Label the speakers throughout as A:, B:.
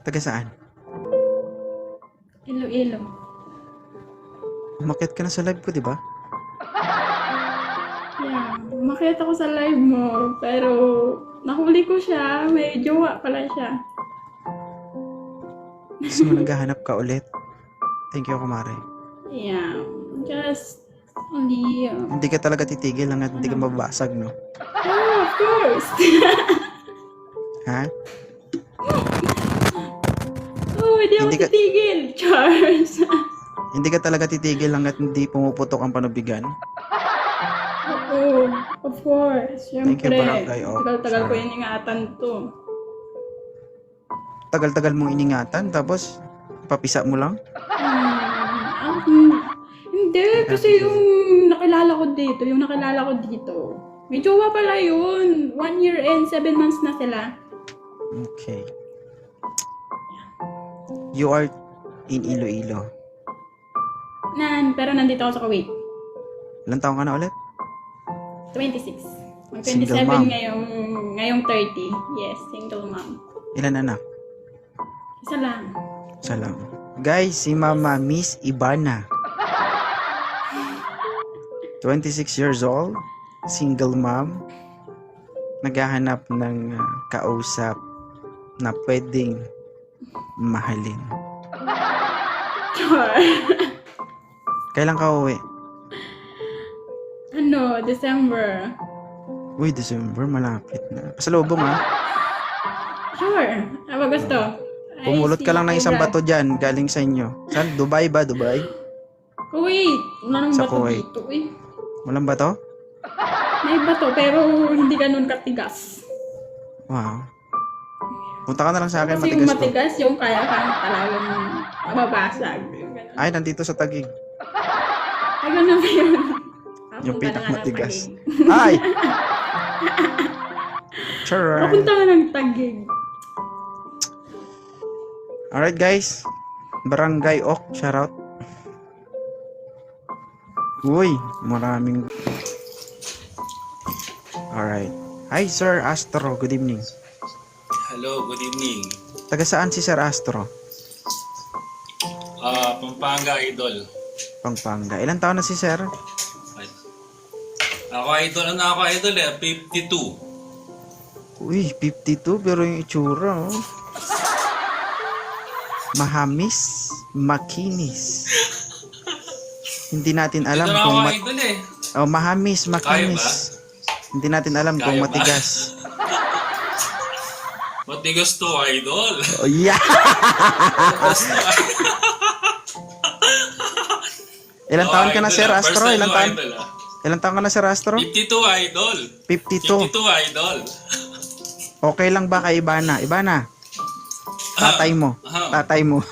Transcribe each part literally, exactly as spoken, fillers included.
A: Taga saan?
B: Iloilo.
A: Umakyat ka na sa live ko, di ba?
B: Yeah, umakyat ako sa live mo, pero nahuli ko siya. May jowa pala siya.
A: Gusto mo naghahanap ka ulit? Thank you, kumare.
B: Yeah, just only... Uh,
A: Hindi ka talaga titigil hanggat hindi ka mababasag, no?
B: oh, of course!
A: Ha?
B: Oh, hindi ako
A: Hindi ka-
B: titigil, Charles.
A: Hindi ka talaga titigil hanggat hindi pumuputok ang panubigan?
B: Oo, of course.
A: Thank you,
B: Siyempre,
A: Barangay Oak.
B: tagal-tagal ko
A: Sarah.
B: yung ingatan to.
A: Tagal-tagal mong iningatan, tapos papisa mo lang?
B: Hmm, ah, hmm. Hindi, kasi yung nakilala ko dito, yung nakilala ko dito, may jowa pala yun. One year and seven months na sila.
A: Okay. You are in Iloilo.
B: Nan, pero nandito ako sa Kuwait.
A: Ilan taong ka na ulit?
B: twenty-six. Mag
A: Single
B: twenty-seven
A: mom.
B: ngayong, ngayong thirty. Yes, single mom.
A: Ilan anak?
B: Isa lang.
A: Isa lang. Guys, si Mama Miss Ibana. twenty-six years old, single mom, naghahanap ng uh, kausap na pwedeng mahalin.
B: Char.
A: Kailan ka uwi?
B: Ano, December.
A: Uy, December, malapit na. Pasalubong ha.
B: Sure. Ano gusto? I
A: Pumulot ka
B: see
A: lang ng isang
B: Cobra.
A: bato dyan, galing sa inyo. Saan? Dubai ba? Dubai?
B: Kuwait. Wala nang
A: Sa
B: bato
A: Kuwait.
B: dito eh.
A: Walang bato?
B: May bato pero hindi ganun katigas.
A: Wow. Punta ka na lang sa akin,
B: Kasi yung
A: matigas to.
B: matigas, yung kaya kang talagang mababasag. Yung ganun.
A: Ay, nandito sa Taguig.
B: Ay, ganun ba yun?
A: Yung
B: Papunta na nga ng
A: pinakamatigas.
B: Taguig.
A: Ay! Sure.
B: Papunta ka ng Taguig.
A: Alright guys, Barangay Oak, shoutout. Uy, maraming... Alright. Hi Sir Astro, good evening.
C: Hello, good evening.
A: Taga saan si Sir Astro?
C: Ah, Pampanga Idol.
A: Pampanga. Ilan taon na si Sir?
C: Ay. Ako idol, ano ako idol eh, fifty-two.
A: Uy, fifty-two pero yung itsura oh. Mahamis, makinis. Hindi natin alam
C: Ito na
A: kung
C: ako
A: mat...
C: idol eh.
A: Oh, mahamis,
C: Kaya
A: makinis. Hindi natin alam kung
C: Kaya ba?
A: matigas.
C: Matigas to idol.
A: Oh, yeah!
C: Matigas to idol.
A: Ilan taon ka na,
C: idol,
A: Sir
C: ah.
A: Astro?
C: First time
A: Ilan
C: ko,
A: taon?
C: idol, ah.
A: Ilan taon ka na, Sir Astro?
C: fifty-two idol.
A: fifty-two.
C: fifty-two idol.
A: Okay lang ba kay Ibana? Ibana, tatay mo.
C: Ah.
A: Tatay mo.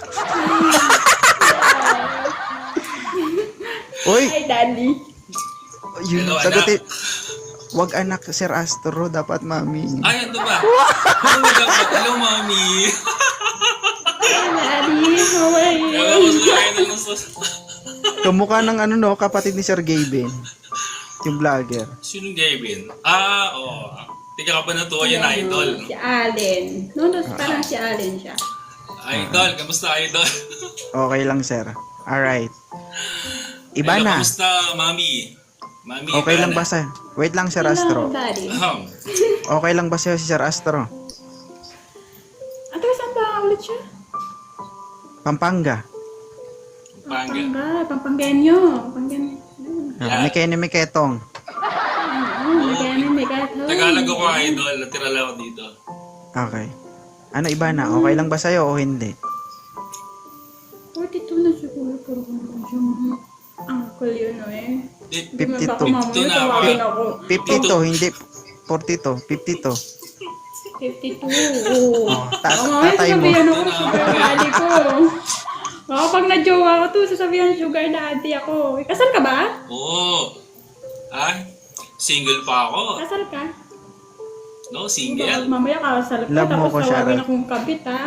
A: Uy,
B: Hi, Daddy.
A: yun,
C: Hello,
A: sagutin. Wag anak, Sir Astro, dapat mami.
C: Ay, ano ba? Hello, dapat. Hello, mami.
B: Hi, Daddy. How are
C: Ewan
B: you?
C: ko sa idol ng sus...
A: Kamukha ng ano no, kapatid ni Sir Gaben. Yung vlogger.
C: Sinong Gavin? Ah, oo. Oh. Tika ka ba na to? Yan, idol.
B: Si Allen. No, no, parang si Allen siya.
C: Idol, kamusta idol?
A: Okay lang, Sir. Alright.
C: Hello,
A: Ibana,
C: kamusta, mami? Mami,
A: okay lang
C: Ibana.
A: ba sa... Wait lang, Sir
B: Hello,
A: Astro.
B: Daddy.
C: Ahem.
A: Okay lang ba sa'yo si Sir Astro?
B: Ato, saan ba ulit siya?
A: Pampanga.
C: Pampanga.
B: Pampanga. Pampangenyo. Pampangenyo.
A: Ah, may kene, may ketong.
B: Oo, may ganun, may gato.
C: Tagalog ako, idol. Natira lang ako dito.
A: Okay. Ano, Ibana, okay lang ba sa'yo o hindi?
B: forty-two na siguro, pero kung yung uncle yun, no eh.
C: Di-
B: Hindi mo baka
A: fifty-two.
B: mamaya tawagin ako.
A: fifty-two, hindi forty-two, fifty-two.
B: fifty-two, oo.
A: Oh, ta-
B: Baka mamaya
A: tatay mo.
B: sasabihan ako, sugar daddy ko. Baka pag na-jowa ko to, sasabihan sugar daddy ako. Eh, kasal ka ba?
C: Oo. Ah, single pa ako.
B: Kasal ka?
C: No,
B: Baka
C: single.
B: mamaya kasal ka,
A: Love mo
B: tapos
A: ko,
B: tawagin
A: Sharon.
B: akong kabit, ha?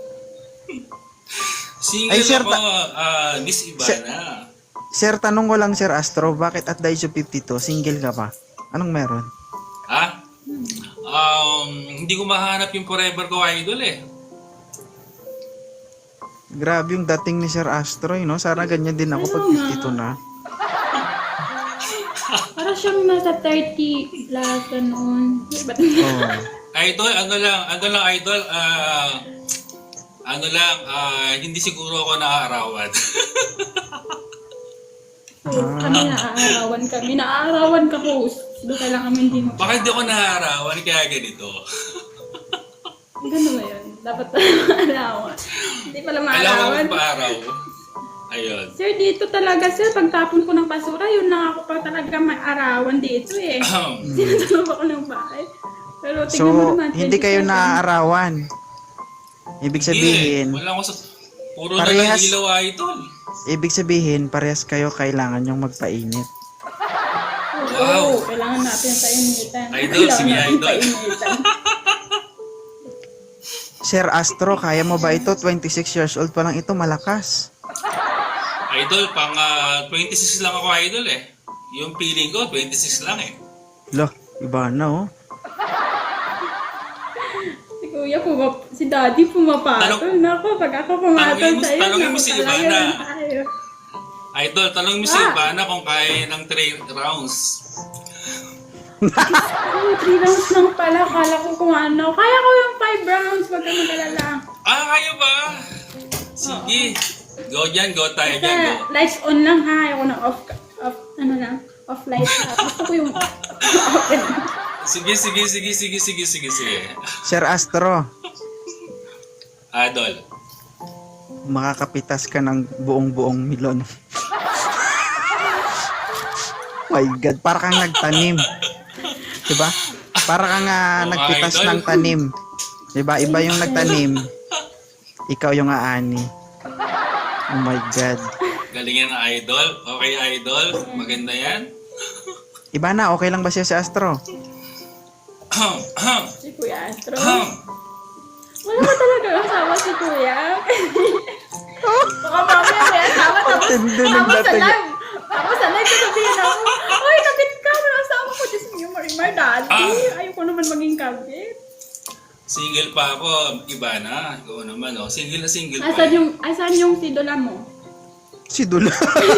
C: Single
A: Ay, sir,
C: ako, ah, Miss Ibana.
A: Sir, tanong ko lang, Sir Astro, bakit at the age of fifty-two, single ka pa? Anong meron?
C: Ha? Um, hindi ko mahanap yung forever ko, idol eh.
A: Grabe yung dating ni Sir Astro, eh, no? Sana ganyan din ako pag
B: Ano nga?
A: fifty-two na.
B: Para siyang nasa thirty plus, gano'n. Ba't
A: Oh.
C: Idol, ano lang, ano lang idol, ah, ano lang, ah, hindi siguro ako naaarawan.
B: kami naaarawan kami. Naaarawan ka, host. Doon ka lang kami hindi mo.
C: Baka hindi ako naaarawan, kaya ganito.
B: Gano'n ba yun? Dapat maarawan. Hindi pala
C: Kailangan
B: maarawan.
C: ko pa-araw. Ayun.
B: Sir, dito talaga, sir, pagtapon ko ng basura, yun lang ako pa talaga may arawan dito eh. Sinatulog ako ng bahay. Pero tingnan mo
A: So,
B: naman,
A: hindi kayo
B: twenty-seven.
A: naaarawan. Ibig sabihin,
C: Hindi, wala ko sa... Puro na
A: Parehas.
C: lang ilaw, idol.
A: ibig sabihin, parehas kayo kailangan yung magpainit.
C: Wow.
B: Oo, kailangan natin sa initan.
C: Idol,
B: Kailangan
C: sige,
B: natin
C: idol.
B: sa initan.
A: Sir Astro, kaya mo ba ito? twenty-six years old pa lang ito, malakas.
C: Idol, pang ah, twenty-six lang ako, idol eh. Yung feeling ko, twenty-six lang eh.
A: Loh, iba na oh.
B: Si kuya, pumap si daddy pumapatol.
C: Tanong-
B: Nako, pag ako pumatol
C: tanongin mo-
B: sa'yo,
C: tanongin mo
B: naku,
C: si
B: talaga
C: Ivana.
B: yun tayo.
C: Idol, tanong mo si
B: Ah.
C: Ivana kung kaya ng three rounds.
B: Oh, three rounds lang pala. Kala ko kung ano. Kaya ko yung five rounds. Wag kang mag-alala.
C: Ah, kaya ba? Sige. Go dyan, go tayo dyan, go.
B: Basta lights on lang ha. Ayaw ko na off, off, ano lang, off lights ha. Gusto ko yung open.
C: Sige, sige, sige, sige, sige, sige, sige.
A: Sir Astro,
C: Idol.
A: makakapitas ka ng buong-buong milon. My God, para kang nagtanim. Diba? Para kang ah,
C: Oh,
A: nagpitas
C: idol.
A: ng tanim. Diba? Iba yung nagtanim. Ikaw yung aani. Oh my God.
C: Galing yan, idol. Okay, idol. Maganda yan.
A: Iba na, okay lang ba siya si Astro?
C: Ahem, ahem,
B: Si Kuya Astro.
C: ahem.
B: Wala ba talaga asawa si Kuya? Baka mamaya may asawa tapos
A: Tindi ng
B: tapos sa
A: dating.
B: live. Tapos sa live sasabihin ako, Ay, kabit ka! May asawa ko. Diyos mo, Marimar, daddy.
C: Ah.
B: Ayoko naman maging kabit.
C: Single pa ako. Iba na. Ikaw naman, oh. Single na single pa.
B: Asan yung, asan yung sidola mo?
A: Si Dula.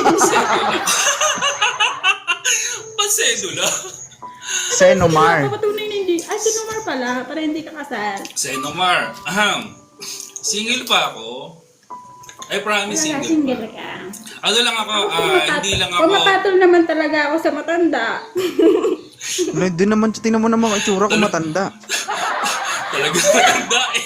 C: Pasedula.
A: Senomar.
B: Papatunay na hindi. Ay, si Nomar pala. Para hindi ka kasal.
C: Senomar. Ahem. Single pa ako. I promise
B: Wala,
C: single
B: single
C: pa.
B: ka.
C: Ano lang ako, ah, hindi lang ako...
B: Pumapatol naman talaga ako sa matanda.
A: Hindi naman, tingnan mo naman ang itsura ko matanda.
C: Talaga matanda eh.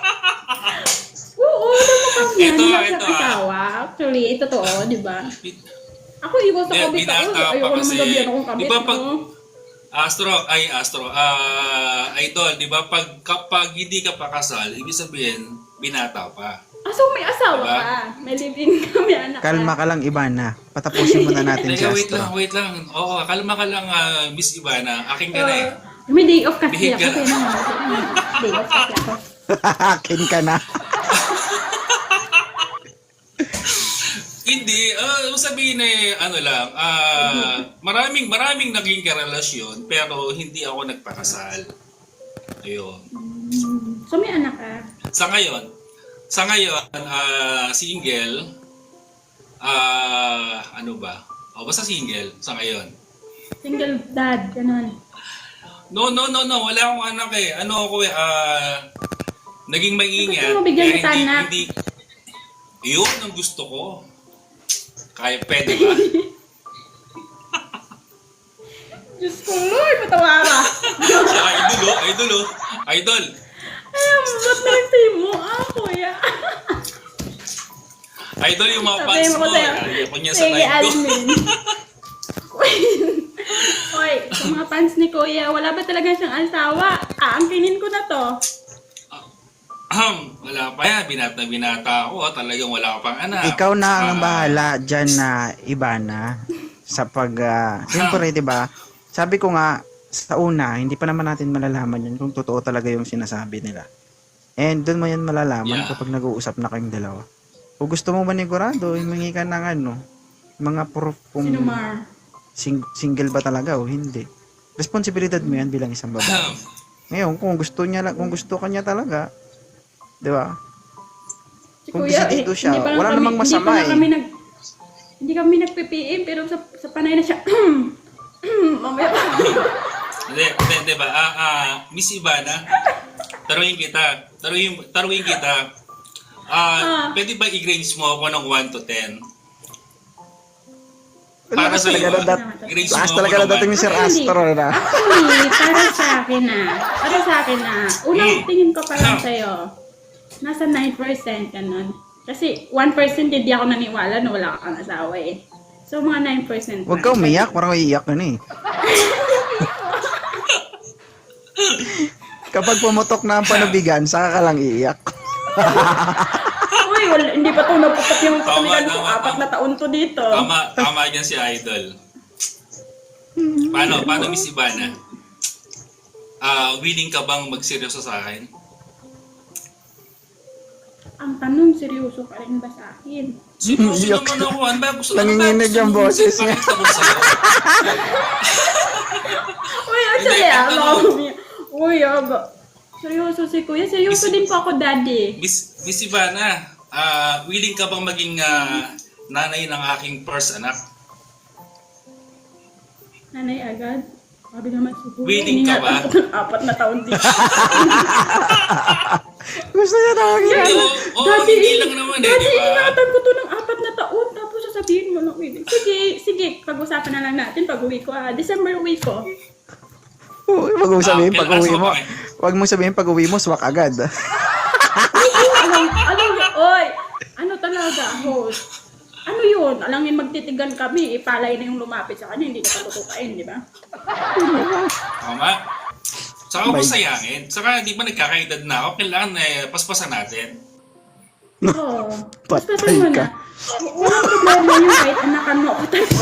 B: Oo, alam mo kami yan.
C: Ito,
B: Hindi
C: ito,
B: ako
C: ah.
B: asawa. Actually, ito to, di ba? Ako iwas sa
C: Hindi,
B: kabit ako.
C: binata pa
B: Ayoko naman
C: kasi.
B: gabihan akong kabit.
C: Di ba pag-
B: no?
C: Astro, ay Astro, ah, idol, di ba pag kapag hindi ka pa kasal, ibig sabihin, binata pa.
B: Ah, so may asawa
C: Diba?
B: ka. May live-in ka, may anak ka.
A: Kalma ka lang, Ivana. Patapusin muna natin si
C: Teka, wait
A: Astro.
C: lang, wait lang. Oo, kalma ka lang, ah, Miss Ivana. Aking ka na eh.
B: Uh, may day off kasi
C: Bihig
B: ako.
C: ka.
B: Kaya naman, day off kasi ako.
A: Akin ka na.
C: Hindi, ah, sabihin eh, ano lang, ah, maraming, maraming naging karelasyon, pero hindi ako nagpakasal. Ayun.
B: Hmm. So may anak ka.
C: Sa ngayon, sa ngayon, ah, single, ah, ano ba? O, basta single, sa ngayon.
B: Single dad, ganun.
C: No, no, no, no, wala akong anak eh. Ano ako eh, ah, naging maingat.
B: Gusto mo bigyan
C: kaya
B: kita
C: hindi,
B: anak?
C: hindi, yun ang gusto ko. Kaya pwede ba?
B: Diyos ko, Lord, patawa ka.
C: Siya, idol oh, idol oh, idol.
B: Ay, ba't nag-say mo? Ah, kuya.
C: Idol yung mga
B: Sabihin
C: fans
B: mo ko
C: mo.
B: sa'yo.
C: Ayaw ko niya sa
B: Sige,
C: live ko.
B: admin. Hoy, sa mga fans ni Kuya, wala ba talaga siyang asawa? Aangkinin ko na to.
C: Ahem, wala pa yan. Binata binata ako. ah. Talagang wala ka pang anak.
A: Ikaw na ang
C: Ah,
A: bahala dyan na Ivana sa pag, uh, siyempre, di ba? Sabi ko nga, sa una, hindi pa naman natin malalaman yun kung totoo talaga yung sinasabi nila. And doon mo yan malalaman
C: Yeah.
A: kapag nag-uusap na kayong dalawa. Kung gusto mo manigurado, humingi ka ng ano, mga proof kung
B: Sino Mar?
A: sing- single ba talaga o hindi. Responsibilidad mo yan bilang isang babae.
C: ahem.
A: Ngayon, kung gusto niya, la- kung gusto ka niya talaga, di ba?
B: Si
A: Kung
B: Kuya,
A: bisitido
B: eh,
A: siya,
B: hindi pa lang
A: wala
B: kami,
A: namang masama
B: hindi pa lang
A: eh.
B: kami nag, hindi kami nag-P P M, pero sa, sa panay na siya, mamaya pa.
C: Hindi, hindi, hindi ba? Ah, ah, Miss Ivana, taruhin kita. Taruhin, taruhin kita. Ah,
B: Ah.
C: pwede ba i-grades mo ako ng one to ten?
A: Lakas
C: sa
A: talaga
C: iyo,
A: na dat-
C: ah. Grades
A: lakas
C: mo
A: talaga
C: ako
A: na
C: ng
A: dating ni
C: one.
A: Sir
B: Actually,
A: Astro na.
B: Actually, para sa akin na, para sa akin na, unang
C: Hmm.
B: tingin ko pa lang sa'yo, nasa nine percent ka nun. Kasi one percent hindi ako naniwala na wala kang asawa eh. So, mga nine percent.
A: Huwag ka umiyak, parang iiyak ka na eh. Kapag pumutok na ang panubigan, saka ka lang iiyak.
B: Uy, wala, hindi pa to naputok yung
C: Tama,
B: katuligan ko.
C: tama,
B: Apat
C: tama.
B: na taon to dito.
C: Tama, tama yan si Idol. Paano, paano Miss Ivana? Ah, willing ka bang magseryoso sa akin?
B: Ang tanong, seryoso ka rin ba sa akin?
C: Seryoso
A: Iyak.
C: naman ako. Ano ba gusto
A: Nanginginig
C: ano ba
A: yung
C: gusto mo
A: boses niya.
C: ipakita ko sa'yo?
B: Uy, actually,
C: Hindi,
B: ah,
C: ang
B: mga
C: tanong-
B: umi- Uy, ah, ba- seryoso si Kuya. Seryoso din po ako, Daddy.
C: Miss, Miss Ivana, ah, willing ka bang maging ah, nanay ng aking first anak?
B: Nanay agad. Sabi naman si Kuya.
C: Willing ka ba?
B: iningatan ko ng apat na taon dito.
A: Gusto niya tawagin.
C: Hindi, oo, oo, hindi lang naman eh,
B: Daddy,
C: di ba?
B: iningatan ko to ng apat na taon. Tapos sasabihin mo na, willing. Sige, sige. Pag-usapan na lang natin pag uwi ko. Ah. December uwi ko.
A: Huwag mo sabihin
C: Ah,
A: pag uwi
C: kailan-
A: mo.
C: okay.
A: Huwag mo sabihin pag uwi mo, swak agad.
B: alam, alam, oy, ano talaga, host? Ano yun? Alam yun, magtitigan kami, ipalay na yung lumapit sa kanya, hindi na patutukain, di ba?
C: Tama? Saka huwag
A: My-
C: mo sayangin. Saka di ba nagkakaedad na ako, kailangan eh, paspasan natin.
B: Oo. Mas
A: Patay
B: pasal mo
A: ka.
B: na. W- Walang problema yun kahit anakan mo ako tayo.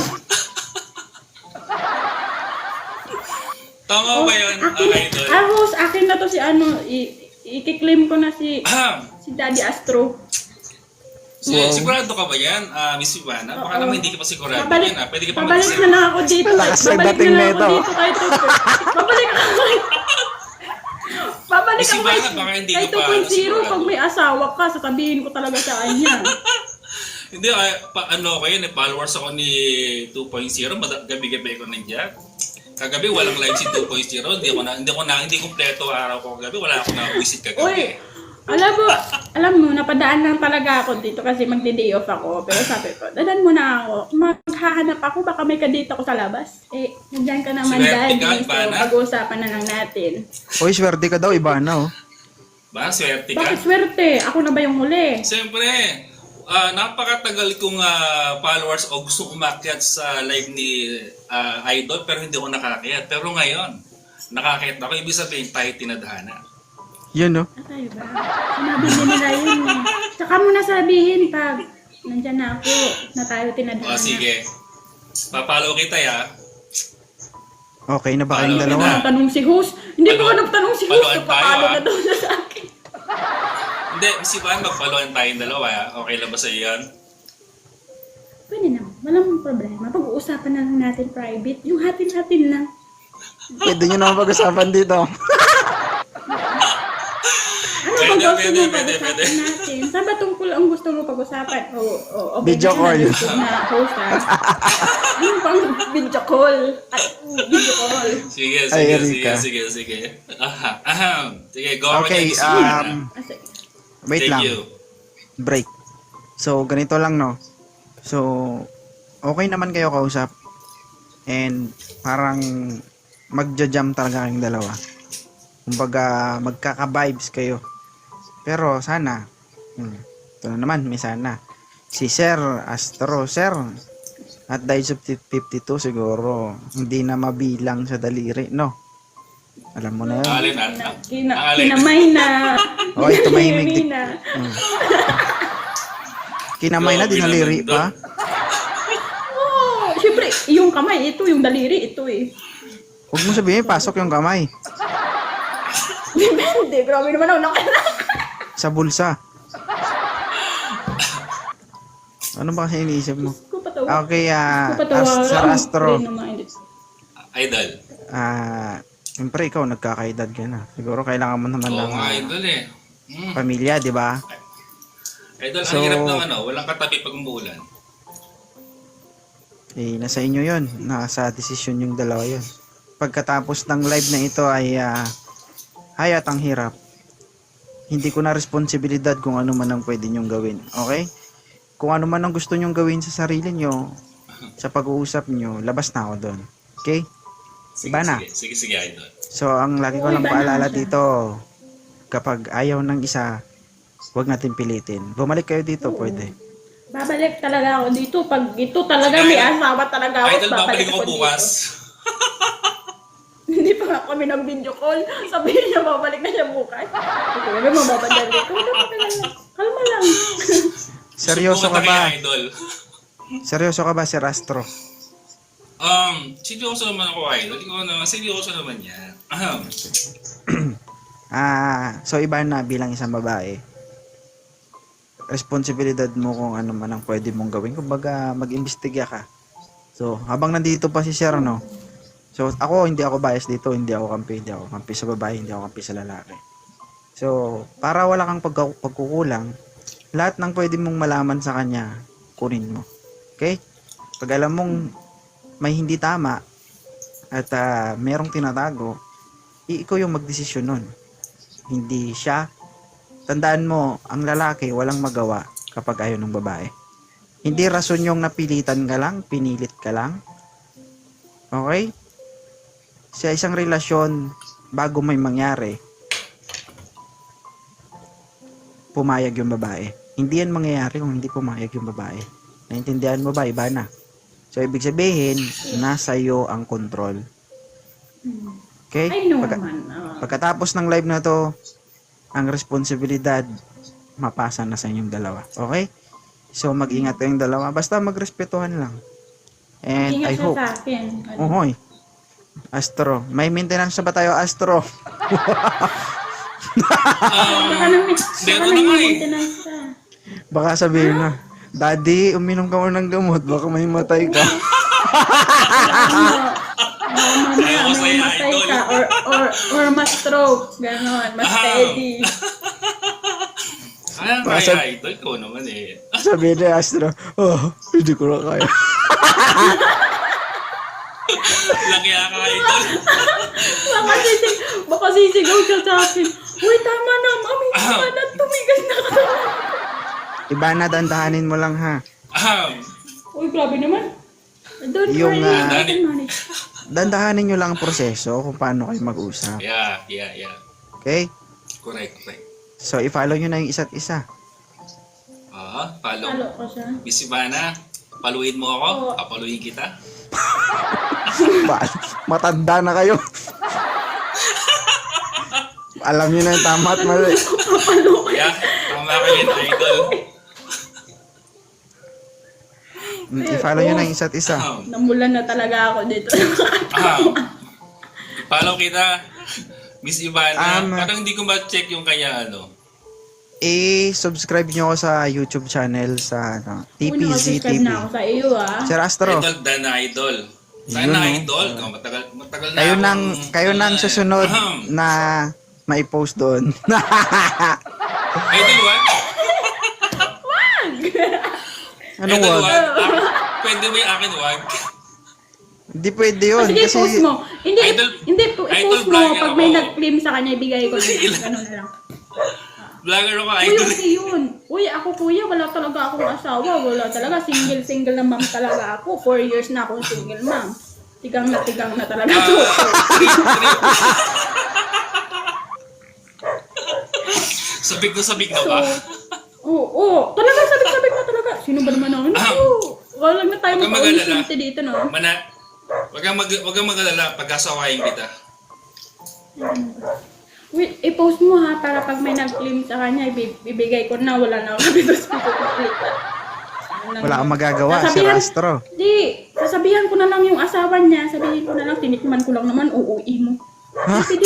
C: Tama ba yun,
B: akin,
C: ah, Idol?
B: ah, host, akin na to si ano, i- i-claim ko na si
C: Ahem.
B: si Daddy Astro.
C: Si,
A: Wow.
C: Sigurado ka ba yan, ah, Miss Ivana? Baka
B: Oo.
C: naman hindi ka pa sigurado
B: Babalik,
C: yan. Ah. Pwede ka pa
B: babalik
C: mag-isip.
B: na lang ako dito.
A: Lakas ng
B: babalik
A: dating
B: na lang ako
A: nito.
B: dito kahit two Babalik ako kahit... Babalik
C: Miss
B: ako
C: Ivana,
B: kahit,
C: baka hindi
B: kahit
C: ka pa,
B: two point oh
C: sigurado.
B: pag may asawa ka, sasabihin ko talaga sa kanya.
C: Hindi, ah, pa, ano ko yun, eh, followers ako ni two point oh. Mada- Gabi-gabi ko nandiyan. Kagabi walang live si two point oh. Hindi ko na hindi ko na hindi kumpleto araw ko kagabi. Wala ako na visit kagabi.
B: Uy, alam mo, alam mo, napadaan lang talaga ako dito kasi magdi-day off ako. Pero sabi ko, dadan mo na ako. Maghahanap ako, baka may kadate ako sa labas. Eh, nandiyan ka naman,
C: Swerte ka,
B: Daddy. So,
C: Ivana.
B: pag-uusapan na lang natin.
A: Uy, swerte ka daw, iba na oh.
C: Ba, swerte ka.
B: Bakit swerte? Ako na ba yung huli?
C: Siyempre, ah, napakatagal kong ah, followers o gusto umakyat sa live ni ah, Idol pero hindi ako nakakayat. Pero ngayon, nakakayat ako. Ibig sabihin, tayo tinadhana.
A: Yun oh.
B: Ah, tayo ba? Sinabi din nila yun eh. Tsaka mo na sabihin pag nandyan na ako, na tayo tinadhana.
C: O sige, papalo kita ya.
A: Okay na ba kayong
C: Paano
A: dalawa?
C: na?
B: Ang tanong si host. Hindi ko
C: Palo-
B: ka nagtanong si host.
C: paloan tayo,
B: Nagpapalo
C: ah.
B: na daw siya sa akin.
C: Hindi, si Van, magpaluan tayong dalawa. ah. Okay lang ba sa yan?
B: Pwede naman. Walang problema. Pag-uusapan na lang natin private. Yung hatin-hatin lang.
A: Pwede nyo naman pag-usapan dito.
B: Ano
C: Pwede,
B: bang gusto
C: pwede,
B: mo
C: pwede,
B: pag-usapan
C: pwede.
B: natin? Saan ba tungkol ang gusto mo pag-usapan? O, o, o
A: Video call.
B: Na host ha? Ano bang video call? Ay, video call.
C: Sige,
A: Ay,
C: sige, sige,
A: Erika.
C: sige, sige. Aha, aham. Sige, go ahead.
A: Okay,
C: Miss Ivana.
A: um,
B: Kasi,
A: wait
C: Thank
A: lang.
C: you.
A: Break. So, ganito lang, no? So, okay naman kayo kausap. And, parang magja-jam talaga kayong dalawa. Kumbaga, magkaka-vibes kayo. Pero, sana, hmm, ito na naman, may sana. Si Sir Astro, Sir, at the age of fifty-two, siguro, hindi na mabilang sa daliri, no? Alam mo na yun.
C: Alin,
B: kina,
C: alin.
B: kina,
C: Alin.
B: kinamay na.
A: Oy, tumahimik
B: Kinamay
A: di-
B: na.
A: Hmm. Kinamay na,
C: Grabe
A: dinaliri
C: naman
A: pa.
B: Oh, syempre, yung kamay, ito, yung daliri, ito eh.
A: Huwag mo sabihin, pasok yung kamay.
B: Depende, grabe naman ako nakalak.
A: Sa bulsa. Ano ba kasi iniisip mo?
B: Ko patawa.
A: Okay, ah,
B: Ko patawa.
A: Ast- Sir Astro.
C: Idol.
A: Ah, siyempre ikaw nagkakaedad ka na. Siguro kailangan mo naman
C: Oo
A: ng
C: nga,
A: ah,
C: idol eh. Hmm.
A: pamilya, di ba?
C: Idol,
A: So-
C: ang hirap ng ano, walang katabi pag umuulan.
A: Eh, nasa inyo yon, nasa desisyon yung dalawa yon. Pagkatapos ng live na ito ay uh, hayat ang hirap. Hindi ko na responsibilidad kung ano man ang pwede nyong gawin. Okay? Kung ano man ang gusto nyong gawin sa sarili nyo, sa pag-uusap nyo, labas na ako doon. Okay?
C: Sige,
A: Iba na.
C: sige, sige, sige, Idol.
A: So, ang lagi ko
B: Uy,
A: lang
B: iba na
A: paalala
B: siya.
A: dito, kapag ayaw ng isa, huwag natin pilitin. Bumalik kayo dito,
B: Oo.
A: pwede.
B: Babalik talaga ako dito. Pag ito talaga may asawa talaga ako,
C: Idol, babalik
B: babalik
C: ako
B: ako
C: bukas.
B: dito. Hindi pa nga kami nag-video call. Sabihin niya, babalik na siya bukas. Sabi mo, mamadali ko. Kalma lang.
A: Seryoso ka
C: Subukan
A: ba?
C: tayo, Idol.
A: Seryoso ka ba, Sir Astro?
C: Um, seryoso naman ako, Idol. Ikaw naman, seryoso naman yan. Ahem.
A: Ah, so iba na bilang isang babae. Responsibilidad mo kung ano man ang pwede mong gawin. Kumbaga, mag-imbestiga ka. So, habang nandito pa si Sir, no? So, ako, hindi ako bias dito. Hindi ako kampi. Hindi ako kampi sa babae. Hindi ako kampi sa lalaki. So, para wala kang pagka- pagkukulang, lahat ng pwede mong malaman sa kanya, kunin mo. Okay? Pag alam mong may hindi tama at ah, merong tinatago, i- ikaw yung magdesisyon nun. Hindi siya. Tandaan mo, ang lalaki walang magawa kapag ayaw ng babae. Hindi rason yung napilitan ka lang, pinilit ka lang. Okay? Sa isang relasyon, bago may mangyari, pumayag yung babae. Hindi yan mangyayari kung hindi pumayag yung babae. Naintindihan mo ba? Iba na. So, ibig sabihin, nasa iyo ang control. Okay?
B: I know
A: Pagka-
B: man. ah.
A: Pagkatapos ng live na to, ang responsibilidad mapasa na sa inyong dalawa. Okay? So, mag-ingat kayong dalawa. Basta magrespetuhan lang. And
B: Ingat
A: I
B: siya
A: hope.
B: sa akin. Ano?
A: Ohoy. Astro. May maintenance na ba tayo, Astro?
B: Baka nang
C: Hindi,
B: baka
C: ito
B: nang
C: na nga eh.
B: maintenance ka.
A: Baka sabihin na, Daddy, uminom ka mo ng gamot. Baka may matay ka.
B: Baka mamaya
C: Ayaw ko
B: may
C: sa'yo,
B: matay
C: idol.
B: ka or, or, or ma-stroke. Ganon. Mas
C: Ah.
B: steady.
C: Kaya
A: Baka
C: kaya,
A: sab-
C: Idol. Ikaw naman eh.
A: Sabihin ni Astro, oh, hindi ko na kaya.
C: Laki ka, Idol.
B: Baka, sisig, baka sisigaw siya sa akin. Uy, tama na, mami. Tama na, tumigas na ka.
A: Iba na, dandahanin mo lang ha.
C: Ahem.
B: Uy, grabe naman. Don't
A: Yung,
B: worry,
A: ah,
B: I can manage.
A: Dandahanin nyo lang ang proseso kung paano kayo mag-usap.
C: Yeah, yeah, yeah.
A: Okay?
C: Correct, correct.
A: So, i-follow nyo na yung isa't isa.
C: Ah, follow.
B: Halo ko siya.
C: Miss Ivana, paluin mo ako.
B: Oo.
C: Papaluin kita.
A: Ba- matanda na kayo. Alam nyo na yung tama at mali.
C: Yeah, tama ka yun, Idol.
A: Mm, I-follow nyo na yung isa't isa.
C: Ahem.
B: Namulan na talaga ako dito.
C: Ahem. Follow kita. Miss Ivana,
A: Um,
C: parang hindi ko ma-check yung kanya ano.
A: I-subscribe nyo ako sa YouTube channel sa ano, T P
B: Uy,
A: Z
B: nakasubscribe
A: T V.
B: na ako sa iyo, ah.
A: Sir Astro,
C: Idol, Dan Idol.
A: Yun,
C: Sana
A: no?
C: Idol. Ikaw, matagal, matagal na
A: kayo
C: akong-
A: nang kayo nang
C: Ah,
A: susunod
C: ahem.
A: na mai-post doon.
C: Idol, what?
A: Anong
C: Idol,
A: wag?
C: what? Ah, pwede ba yung akin, wag?
A: Hindi pwede yun.
B: Sige,
A: Kasi,
B: post mo. Hindi,
C: Idol-
B: hindi, po,
C: Idol
B: i-post mo.
C: vlogger
B: Pag may
C: ako.
B: nag-claim sa kanya, ibigay ko na. Ganun na lang.
C: Vlogger ako,
B: Uy,
C: Idol.
B: kasi yun. Uy, ako kuya, wala talaga akong asawa. Wala talaga. Single-single na mom talaga ako. Four years na akong single mom. Tigang na tigang na talaga to.
C: Ah, trip, trip. Sabik na sabik na
B: So,
C: ba?
B: oo, oo. Talaga, sabik-sabik na talaga. Sino ba naman ako?
C: Ah.
B: Oo. Wala na tayo
C: Huwag kang
B: mag-audition
C: mag-alala.
B: dito, no?
C: Mana, wag kang mag wag kang mag-alala pagkasawayin kita.
B: Wait, i-post mo ha, para pag may nag-claim sa kanya, ibi- ibigay ko na, wala na ako dito sa pagkukulit.
A: wala kang magagawa, Sir
B: Sasabihan-
A: Astro.
B: Di, sasabihan ko na lang yung asawa niya, sabihin ko na lang, tinikman ko lang naman, uuwi mo. Sige,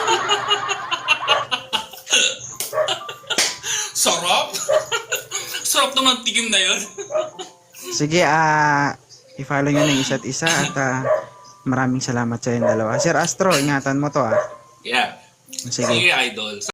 C: Sarap? Sarap naman tigim na yun.
A: Sige, ah, i-follow nyo na yung isa't isa at ah, maraming salamat sa yung dalawa. Sir Astro, ingatan mo to ah.
C: Yeah.
A: Sige.
C: Sige, Idol.